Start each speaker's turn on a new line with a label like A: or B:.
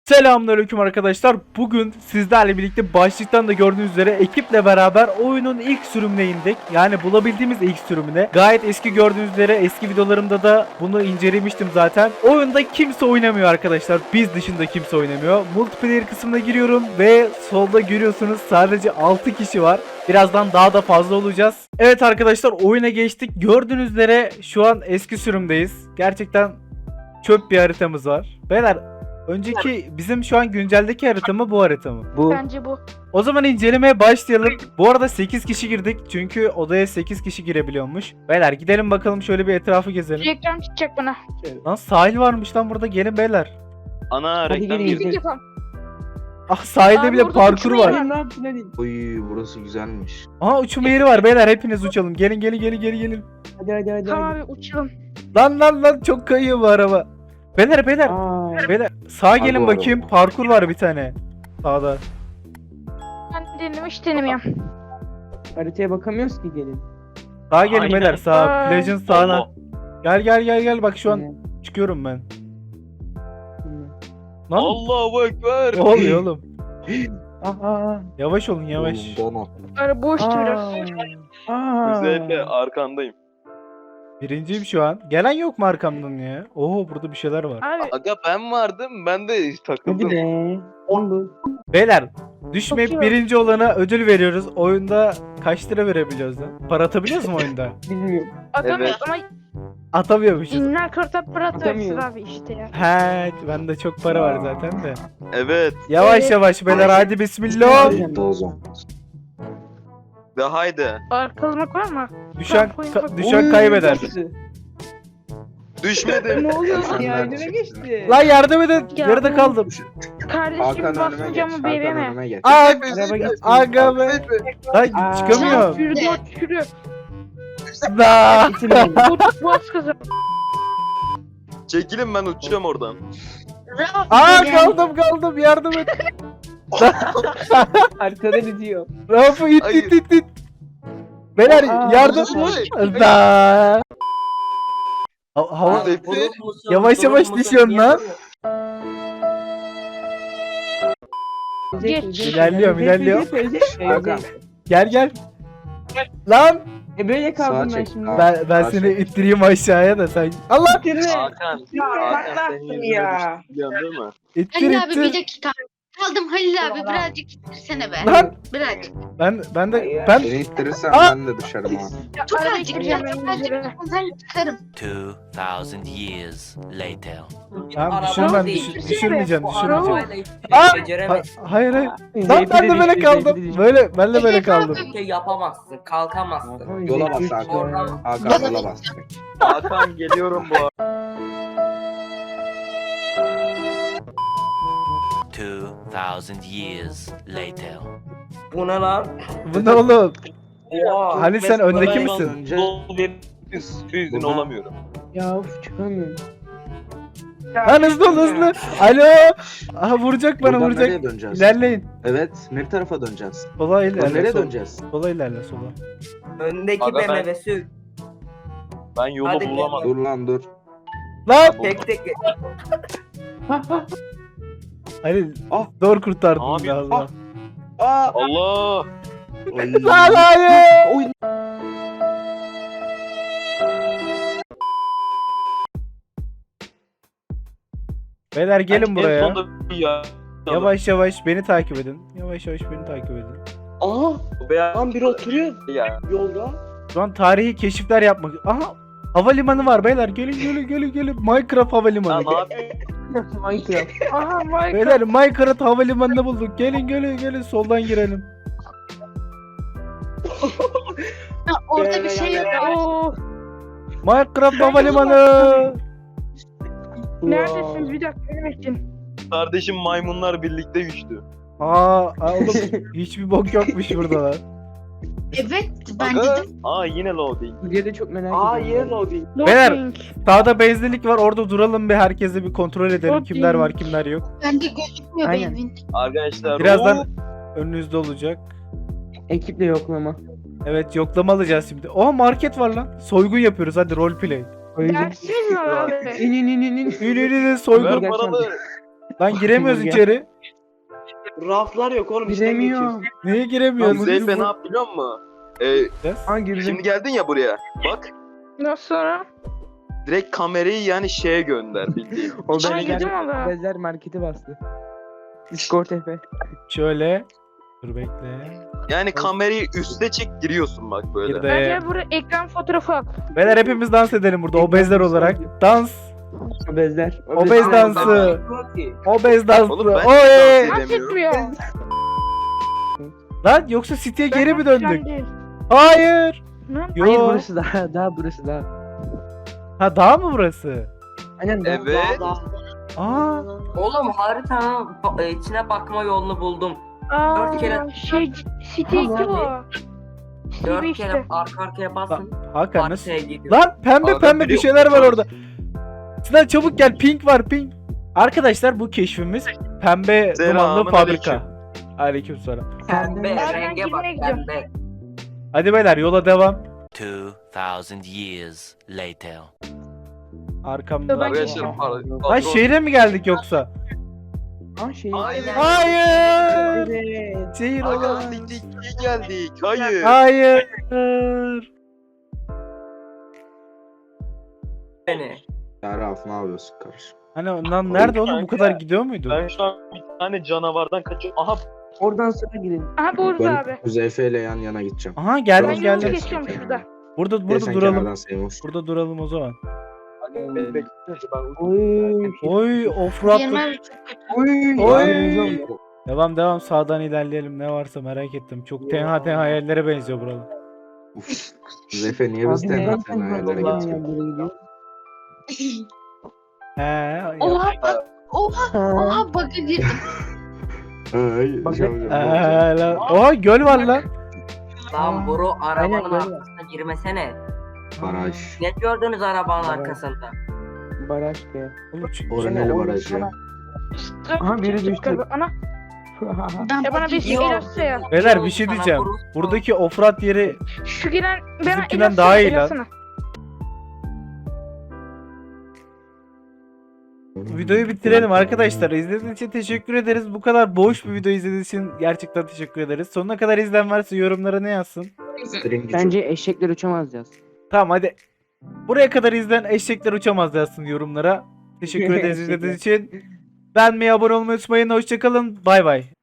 A: Selamünaleyküm arkadaşlar. Bugün sizlerle birlikte başlıktan da gördüğünüz üzere ekiple beraber oyunun ilk sürümüne indik. Yani bulabildiğimiz ilk sürümüne. Gayet eski, gördüğünüz üzere eski videolarımda da bunu incelemiştim zaten. Oyunda kimse oynamıyor arkadaşlar. Biz dışında kimse oynamıyor. Multiplayer kısmına giriyorum ve solda görüyorsunuz sadece 6 kişi var. Birazdan daha da fazla olacağız. Evet arkadaşlar, oyuna geçtik. Gördüğünüz üzere şu an eski sürümdeyiz. Gerçekten çöp bir haritamız var. Beyler, önceki bizim şu an günceldeki harita mı, bu harita mı?
B: Bu.
C: Bence bu.
A: O zaman incelemeye başlayalım. Bu arada 8 kişi girdik. Çünkü odaya 8 kişi girebiliyormuş. Beyler gidelim bakalım, şöyle bir etrafı gezelim.
C: Reklam çıkacak bana.
A: Lan sahil varmış lan burada, gelin beyler.
B: Ana
D: Hadi
B: reklam
D: gelin.
B: girdi.
C: Müzik yapalım.
A: Ah, sahilde
C: Abi
A: bile
C: orada
A: parkur
C: uçma
A: var.
C: yeri var.
D: Ne yaptın hadi.
E: Oy burası güzelmiş.
A: Aha, uçma yeri var beyler, hepiniz uçalım. Gelin gelin gelin gelin gelin.
D: Hadi.
C: Tamam abi uçalım.
A: Lan çok kayıyor bu araba. Beyler
D: Aa,
A: sağa gelin
E: bu
A: bakayım,
E: araba.
A: parkur var bir tane. Sağda.
C: Ben hiç denemiyorum.
D: haritaya bakamıyoruz ki gelin.
A: Sağa gelin
B: Aynen.
A: beyler, sağa.
C: Ay.
A: Plajın sağına.
B: Allah.
A: Gel bak, şu an çıkıyorum ben. Lan
B: Allahu Ekber.
A: ne oluyor oğlum?
D: Aha.
A: Yavaş olun, yavaş.
E: Oğlum, donat.
C: Böyle boştu biraz.
B: Özellikle arkandayım.
A: Birinciyim şu an. Gelen yok mu arkamdan ya? Oo, burada bir şeyler var.
C: Abi
B: Aga ben vardım. Ben de
D: Hadi
B: takıldım.
D: be. Oldu.
A: Beyler, düşmeyip
C: Bakıyorum.
A: birinci olana ödül veriyoruz. Oyunda kaç lira verebiliyoruz lan? Para atabiliyoruz mu oyunda?
D: Bilmiyorum.
C: atamıyoruz ama
A: Atamıyormuşuz.
C: inler kırta para atıyoruz
D: Atamıyoruz.
C: abi işte ya.
A: He, bende çok para var zaten de.
B: Evet.
A: Yavaş
C: Evet.
A: yavaş beyler, hadi bismillah.
E: Ayıp o zaman.
B: De haydi.
C: Arkalmak var mı?
A: Düşen kaybeder.
B: Düşmedim.
D: Ne oluyor
E: Sen
D: ya?
E: nerede
D: Önüme
E: çıktın?
D: geçti.
A: Lan yardım edin.
C: Ya
A: Yarıda
C: bu-
A: kaldım.
C: Kardeşim
E: Hakan önüme geç.
C: basmayacağımı
E: Hakan
C: bebeğime.
E: önüme geç.
A: Aa,
D: Araba gitti.
A: aga be. Lan
D: Aa.
A: çıkamıyorum.
C: Yürü.
A: Da.
D: Bitirmedim.
C: Boğaz kızı.
B: Çekilin, ben uçacağım oradan.
A: Aa, kaldım, yardım et.
D: Arkada gidiyor.
A: Rafu it. Beyler
D: Aa,
A: yardım.
B: Ay.
A: Da. Hava
B: Sefi.
A: yavaş düşüyorsun lan.
C: Geç.
A: İlerliyorum.
E: Hakan.
A: Gel. Lan
D: Böyle kaldım
E: Sağa
D: ben
E: çek.
D: şimdi.
E: Aa.
A: ben seni ittireyim aşağıya da sen. Allah,
D: Bitirme.
B: Hakan. Hakan senin yüzüne
D: ya.
B: düştü, biliyorsun değil mi?
A: ittir.
F: Halil abi bir dakika. Kaldım Halil abi birazcık ittirsene be.
A: Lan
F: Birazcık.
A: ben
D: Hayır.
E: Beni ittirirsen
A: Aa!
E: ben de düşerim ha.
F: Çok
C: Araba
F: azıcık
C: gireceğim
F: ya. Çok
C: ben
F: azıcık.
C: üzerine.
F: Ben çıkarım.
G: 2,000 years later.
A: Tamam, düşürmem, düşürmeyeceğim.
C: Araba.
A: Aa! Hayır. Lan ben de böyle kaldım. Ben de böyle kaldım.
H: Şey yapamazsın, kalkamazsın.
E: Yola bas Hakan. Hakan yola bas.
B: Hakan geliyorum bu arada.
G: 2,000 years later.
H: Bu ne lan?
A: Bu ne oğlum?
H: Oha.
A: Halil, sen öndeki misin?
E: Önce
B: Yüzün olamıyorum.
D: Ya of çıkamıyorum.
A: Lan hızlı. Alo. Aha, vuracak bana,
E: buradan
A: vuracak.
E: nereye döneceğiz?
A: İlerleyin.
E: Evet, ne tarafa döneceğiz?
A: Sola
E: Lan
A: ilerle.
E: nereye
A: Sola.
E: döneceğiz?
A: Sola ilerle, sola.
H: Öndeki
B: Aga ben-
H: BMW sür.
B: Ben yolu
H: Hadi
B: bulamadım.
E: Dur lan dur.
A: Lan
H: Tek tek.
A: Halil,
E: Ah.
A: zor kurtardın
B: Abi,
A: ya Allah.
E: Aa!
B: Allah.
A: Lan hayır.
E: Oy.
A: Beyler gelin
B: En
A: buraya.
B: sonunda ya.
A: Yavaş beni takip edin. Yavaş beni takip edin.
B: Aa. Beyaz.
I: Lan biri oturuyor
B: Ya.
I: yolda.
A: Şu an tarihi keşifler yapmak. Aha, havalimanı var beyler. Gelin. Minecraft havalimanı.
B: Tamam abi.
D: Minecraft.
C: Aha Michael.
A: Beyler, Minecraft havalimanını bulduk. Gelin soldan girelim.
F: Ha, orada bir şey yok.
C: Oo.
A: Minecraft havalimanı.
C: Neredesiniz? Bir dakika benim için.
B: Kardeşim maymunlar birlikte güçlü.
A: Oğlum hiçbir bok yokmuş burada lan.
F: Evet ben
B: Aga.
F: dedim.
B: Aa yine loading.
D: Buraya da çok merak
I: Aa
D: ediyorum.
I: yer loading.
A: Beyler.
C: Loading.
A: Sağda benzinlik var, orada duralım bir, herkese bir kontrol edelim.
C: Çok
A: Kimler
C: iyi.
A: var kimler yok.
F: Bende gözükmüyor
D: Aynen.
F: benim.
B: Arkadaşlar.
A: Birazdan önünüzde olacak.
D: Ekiple yoklama.
A: Evet, yoklama alacağız şimdi. Oha, market var lan. Soygun yapıyoruz, hadi roleplay.
D: Öyle.
C: Dersiniz mi abi?
D: İn.
A: Ünlü soygun.
B: Ver paralı.
A: Lan giremiyoruz
D: Gel.
A: içeri.
E: Raflar yok oğlum. içten
D: Giremiyorum.
A: Niye giremiyoruz?
B: Zeyfe ne yap biliyor musun?
D: Ha girdim.
B: Şimdi geldin ya buraya. Bak.
C: Nasıl sonra?
B: Direkt kamerayı yani şeye gönder bildiğin.
D: O
C: Ay,
D: bezler,
C: girdim valla.
D: bezler marketi bastı. Discord Efe.
A: Şöyle. Dur bekle.
B: Yani kamerayı üste çek giriyorsun bak böyle.
A: Girdi.
C: Bence buraya ekran fotoğrafı at.
A: Beyler hepimiz dans edelim burada obezler olarak. Dans.
D: O bezler.
A: Obez dansı.
H: Yok ki.
A: Obez dansı.
B: Oğlum ben
A: Oy.
B: dans
C: Nasıl
B: edemiyorum.
C: etmiyor?
A: Lan yoksa City'ye geri mi
C: Ben
A: döndük?
C: değil.
A: Hayır.
C: Ne?
A: Yo.
D: Hayır burası daha burası daha.
A: Ha dağ mı burası?
D: Aynen daha.
B: Evet.
A: Aa.
H: Oğlum haritanın içine bakma yolunu buldum.
C: Aa,
H: Dört kere-
C: City 2 bu.
H: 4
C: City
H: kere
C: işte.
H: arka arkaya basın.
A: Hakan nasıl?
H: Haritaya gidiyor.
A: Lan pembe
B: Adam
A: pembe bir
B: biliyor.
A: şeyler var orada. Sinan çabuk gel, pink var pink. Arkadaşlar bu keşfimiz pembe dumanlı
B: Selamun
A: fabrika. Aleykümselam.
H: Pembe
C: Ben
H: renge bak
C: girmeye gidiyorum.
H: pembe.
A: Hadi beyler yola devam.
G: 2,000 years later.
A: Arkamda.
C: Ben
B: Arkadaşlar
C: gidiyorum.
A: Lan şehre mi geldik yoksa?
D: Ha şey.
B: Hayır.
A: Hayır.
D: Evet.
A: Şehir
B: Hakan
A: olan.
B: City 2'ye geldik. Hayır.
A: Hayır.
H: Beni.
E: Ya Raf ne yapıyorsun kardeşim?
A: Hani ondan nerede oğlum, bu kadar gidiyor muydu?
B: Ben şu an bir tane canavardan kaçıyorum. Aha
D: Oradan sonra girin.
C: Aha burada abi.
E: Ben Zeyfe ile yan yana gideceğim.
A: Aha
C: Ben
A: geldim
C: yolu
A: geldim.
C: geçiyorum şurada.
A: Burada
E: Sen
A: duralım.
E: kenardan Seymour.
A: Burada duralım o zaman.
D: Oy.
A: Oy offroad.
F: Yemen
D: Oy.
A: Oy. Devam sağdan ilerleyelim, ne varsa merak ettim. Çok tenha hayallere benziyor buralar.
E: Uf. Zeyfe niye biz
D: Abi neden
E: tenha
D: sen
E: tenha yerlere
D: buradan
E: getiriyorsun?
D: böyle gidiyorsun?
A: He.
F: Oha bak. Oha bug'a girdim.
E: Ay,
D: Bak-
E: şey yapacağım,
A: He,
E: ne olacak?
A: lan. Oha göl var lan.
H: Lan Buru arabanın
D: Aynen, aynen.
H: arkasına girmesene.
E: Baraj.
H: Ne gördünüz arabanın
D: Evet.
H: arkasında?
D: Baraj be.
E: Oraneli baraj ya.
D: Aha, biri düştü.
C: Ana.
F: Ben
C: Ya bana bir şey
H: Yok.
C: ilaçsa ya.
A: Beyler bir şey
H: Sana
A: diyeceğim.
H: Buru-
A: Buradaki offroad yeri
C: Şu giren bana
A: Bizimkinden
C: ilaçsa
A: daha iyi lan.
C: ilaçsana.
A: videoyu bitirelim arkadaşlar. İzlediğiniz için teşekkür ederiz. Bu kadar boş bir video izlediğiniz için gerçekten teşekkür ederiz. Sonuna kadar izleyen varsa yorumlara ne yazsın?
E: Stringi
D: Bence eşekler uçamaz yaz.
A: Tamam hadi. Buraya kadar izleyen eşekler uçamaz yazsın yorumlara. Teşekkür ederiz izlediğiniz için. Beğenmeyi, abone olmayı unutmayın. Hoşçakalın. Bay bay.